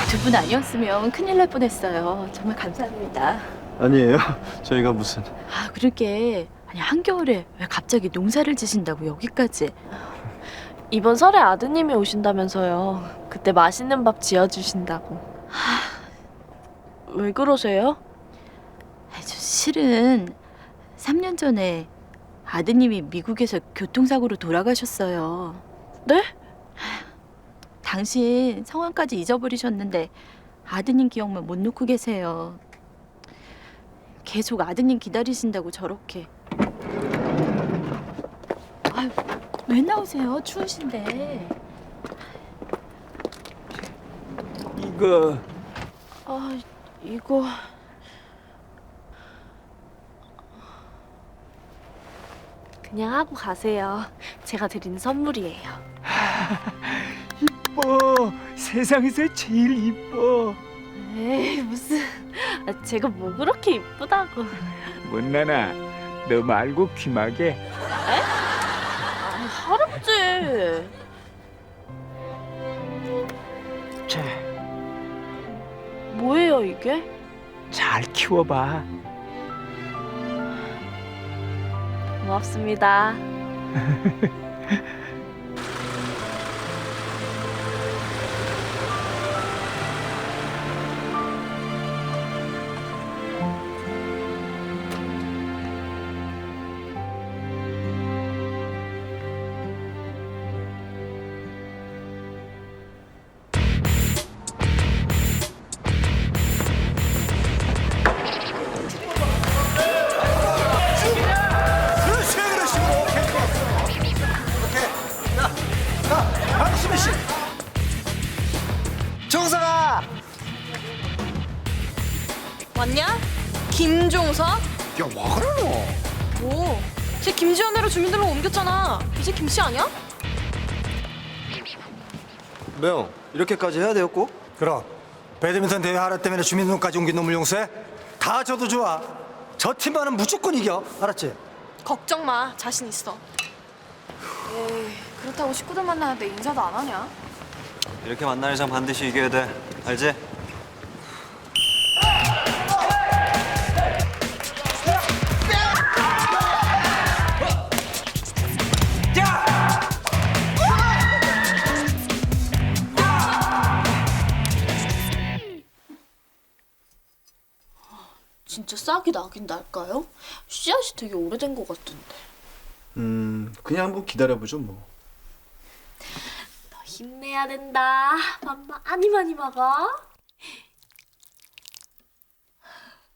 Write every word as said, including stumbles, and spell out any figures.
두 분 아니었으면 큰일 날 뻔했어요. 정말 감사합니다. 아니에요. 저희가 무슨... 아, 그러게. 아니, 한겨울에 왜 갑자기 농사를 지신다고 여기까지. 이번 설에 아드님이 오신다면서요. 그때 맛있는 밥 지어주신다고. 왜 그러세요? 아니, 저 실은 삼 년 전에 아드님이 미국에서 교통사고로 돌아가셨어요. 네? 당신 성함까지 잊어버리셨는데 아드님 기억만 못 놓고 계세요. 계속 아드님 기다리신다고 저렇게. 아유, 왜 나오세요? 추우신데. 이거... 아, 이거... 그냥 하고 가세요. 제가 드린 선물이에요. 이뻐. 세상에서 제일 이뻐. 에이, 무슨... 아, 제가 뭐 그렇게 이쁘다고. 못나나, 너 말고 귀마개. 아, 할아버지. 자, 뭐예요, 이게? 잘 키워봐. 고맙습니다. 박수미 씨, 정상아. 왔냐? 김종석? 야, 와 그러노? 뭐? 쟤 김지연애로 주민들로 옮겼잖아. 이제 김씨 아니야? 매형, 이렇게까지 해야 되었고? 그럼 배드민턴 대회 하나 때문에 주민등록까지 옮긴 놈을 용서해? 다 져도 좋아. 저 팀만은 무조건 이겨. 알았지? 걱정 마. 자신 있어. 에이, 그렇다고 식구들 만나는데 인사도 안 하냐? 이렇게 만날 이상 반드시 이겨야 돼. 알지? 진짜 싹이 나긴 날까요? 씨앗이 되게 오래된 것 같은데. 음... 그냥 한번 기다려보죠 뭐. 너 힘내야 된다. 밥 많이 많이 먹어.